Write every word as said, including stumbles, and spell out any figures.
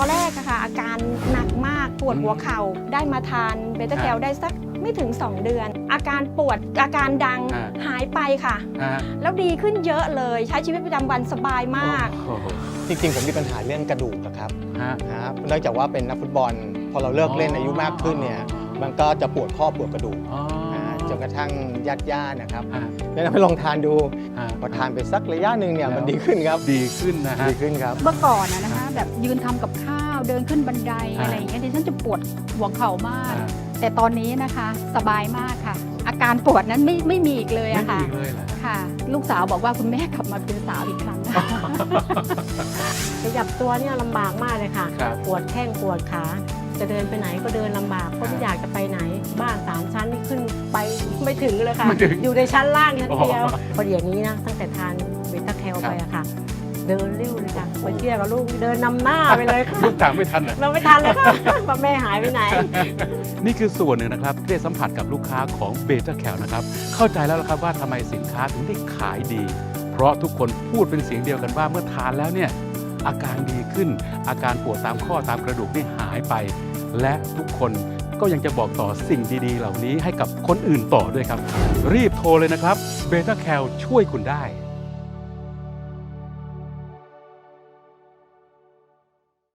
อนแรกอะค่ะอาการหนักมากปวดหัวเข่าได้มาทานเบต้าแคลได้สักไม่ถึงสองเดือนอาการปวดอาการดังหายไปค่ะแล้วดีขึ้นเยอะเลยใช้ชีวิตประจำวันสบายมากจริงๆผมมีปัญหาเรื่องกระดูกครับนะครับเนื่องจากว่าเป็นนักฟุตบอลพอเราเลิกเล่นอายุมากขึ้นเนี่ยมันก็จะปวดข้อปวดกระดูกจนกระทั่งญาติๆนะครับแนะนำให้ลองทานดูพอทานไปสักระยะหนึ่งเนี่ยมันดีขึ้นครับดีขึ้นนะฮะดีขึ้นครับเมื่อก่อนนะคะแบบยืนทำกับข้าวเดินขึ้นบันไดอะไรอย่างเงี้ยดิฉันจะปวดหัวเข่ามากแต่ตอนนี้นะคะสบายมากค่ะอาการปวดนั้นไม่ไม่มีอีกเลยอะค่ะค่ะลูกสาวบอกว่าคุณแม่กลับมาเป็นสาวอีกครั้งขยับตัวเนี่ยลำบากมากเลยค่ะปวดแข้งปวดขาจะเดินไปไหนก็เดินลำบากเพราะไม่อยากจะไปไหนบ้านสามชั้นนี่ขึ้นไปไม่ถึงเลยค่ะอยู่ในชั้นล่างชั้นเดียวพอเดี๋ยวนี้นะตั้งแต่ทานเบต้าแคลไปอะค่ะเดินเร็วเลยค่ะไปเที่ยวกับลูกเดินนำหน้าไปเลยค่ะลูกตามไม่ทันเราไม่ทันเลยค่ะว่าแม่หายไปไหนนี่คือส่วนหนึ่งนะครับที่ได้สัมผัสกับลูกค้าของเบต้าแคลนะครับเข้าใจแล้วครับว่าทำไมสินค้าถึงได้ขายดีเพราะทุกคนพูดเป็นเสียงเดียวกันว่าเมื่อทานแล้วเนี่ยอาการดีขึ้นอาการปวดตามข้อตามกระดูกนี่หายไปและทุกคนก็ยังจะบอกต่อสิ่งดีๆเหล่านี้ให้กับคนอื่นต่อด้วยครับรีบโทรเลยนะครับเบต้าแคลช่วยคุณได้